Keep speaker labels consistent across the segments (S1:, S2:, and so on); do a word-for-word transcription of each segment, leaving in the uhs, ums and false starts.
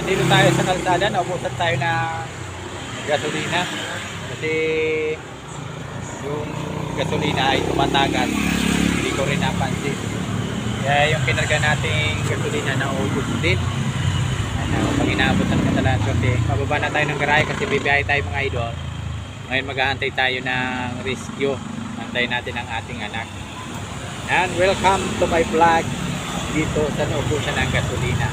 S1: nandito tayo sa kalsada, naubusan tayo ng gasolina kasi yung gasolina ay tumatagal, hindi ko rin napansin, kaya yung kinarga nating gasolina na ubos din. Ano, pag inaabot ng katalan kasi pababa na tayo ng garahe kasi bibiyahe tayo mga idol. Ngayon maghahantay tayo ng rescue, antayin natin ang ating anak. And welcome to my vlog dito sa naubusan ng gasolina.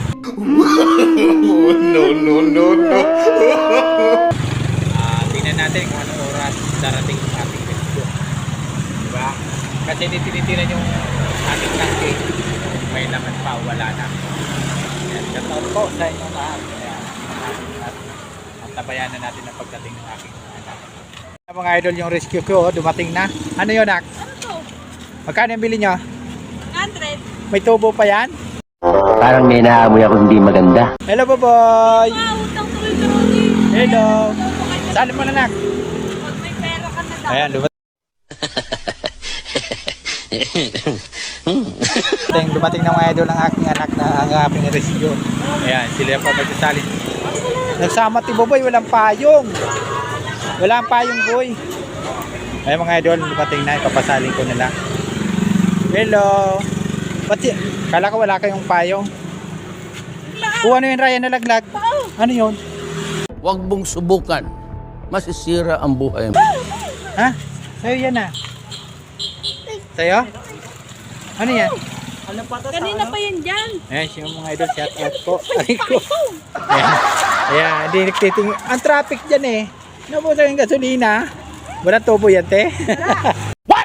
S2: No, no, no, no.
S1: uh, tingnan natin kung anong oras darating yung ating rescue, diba? Kasi tinitira yung ating tanke, may laman pa, wala na. Yan, shoutout po sa inyo lahat. Ayan, at antabayan na natin ang pagdating ng aking anak. Mga idol, yung rescue ko dumating na. Ano yun, Nak?
S3: Ano to?
S1: Magkano yung bili nyo?
S3: one hundred.
S1: May tubo pa yan?
S4: Parang may naamoy ako hindi maganda.
S1: Hello, boy!
S3: Wow, utang tuloy ka rin.
S1: Hello! Sali mo na, Nak.
S3: Pag may pera ka na daw.
S1: Ayan, dumating. dumating na mga idol ng aking anak na ang aking rescue. Ayan, sila pa magsasalin. Nagsama ti Boboy, walang payong. Walang payong, boy. Ayan mga idol, dumating na, ipapasalin ko na lang. Hello. Ba't y- kala ko wala kayong payong? O ano yun, Ryan, nalaglag? Ano yun?
S5: Huwag mong subukan. Masisira ang buhay mo.
S1: Ha? Sa'yo yan ah. Sa'yo? Ano yan?
S3: Kanina pa yan dyan.
S1: Ayan, siya mga idol, shout out po. Aray ko. Ayan, ayan, hindi nagtiting. Ang traffic dyan eh. Nabusan yung gasolina. Wala tubo yan, te. What?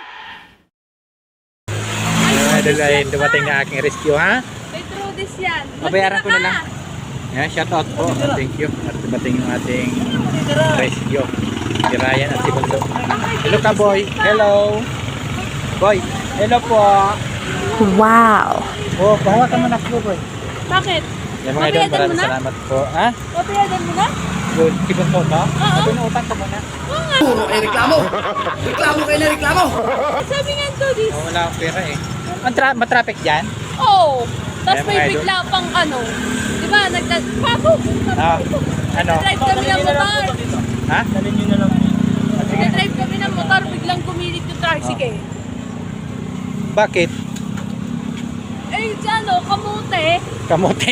S1: Ayan, idol, ayun, dumating na aking rescue, ha?
S3: May trudis yan.
S1: Pabayaran ko na lang. Ayan, shout out po. Thank you. At dumating yung ating rescue. Si Ryan at si Bundo. Hello ka, boy. Hello. Boy, hello po.
S6: Wow!
S1: Oh, pahawakan mo na po, boy.
S3: Bakit?
S1: Yan mga idol,
S3: Pabayadan mo
S1: maraming
S3: na?
S1: salamat po. Ha?
S3: Papayagan mo na?
S1: Good. Si Bundo, no? Sabi na utang ka muna.
S5: Puro kayo reklamo! Reklamo kayo na reklamo!
S3: Sabi nga trudis.
S1: Oh, wala akong pera eh. Ang tra- matraffic dyan?
S3: Oo. Tapos
S1: Ayan,
S3: may
S1: mga idol.
S3: bigla pang ano. Diba? Nagda... Papo!
S1: Ah, ano?
S3: Nag-drive kami ng motor.
S1: Ha? Dalhin nyo na lang. Sige.
S3: Nag-drive kami ng motor. Biglang kumilit yung tricycle.
S1: Bakit?
S3: Eh, ano, kamote.
S1: Kamote.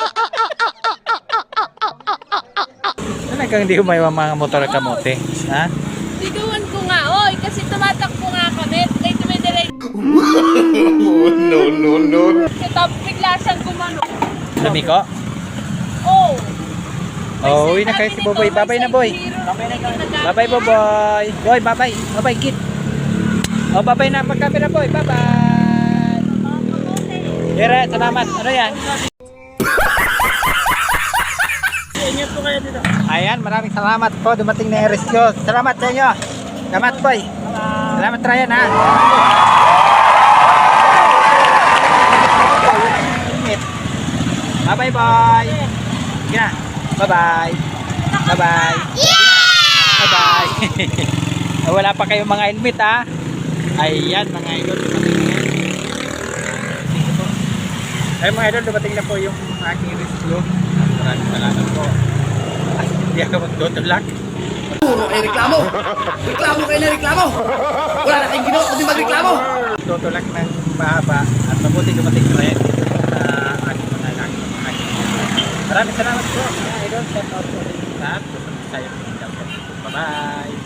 S1: Talagang hindi ko may mga motor na kamote. Ha?
S3: Sigawan ko nga. Oy, kasi tumatakbo nga kami. Kaya tumidiray.
S2: No, no, no.
S3: Tapos bigla siyang gumano.
S1: Lumiko?
S3: Oh.
S1: Oh, uwi na kayo si Boboy. Bye-bye na, boy. Bye-bye, Boboy. Boy, bye-bye. Bye-bye, kid. Oh, bye-bye na. Magkape na, boy. Bye-bye. Yere, salamat. Ano yan? Ayan, maraming salamat po. Dumating na yung rescue. Salamat sa inyo. Salamat, boy. Salamat, Ryan, ha. Bye-bye, boy. Sige na. Bye-bye. Bye-bye. Bye-bye. Wala pa kayong mga helmet, ha. Ayan, mga idol. Dumating na yan. Ay mga idol, dumating na po yung aking rescue. Maraming salamat po. At hindi ako magtutulak.
S5: Puro kayo reklamo! Reklamo kayo na reklamo! Wala na kayong ginawa kundi magreklamo!
S1: Tutulak ng mahaba at mabuti dumating na rin sa aking mga anak. Maraming salamat po mga idol. Shout out po sa lahat. Gusto mo tayo. Bye-bye.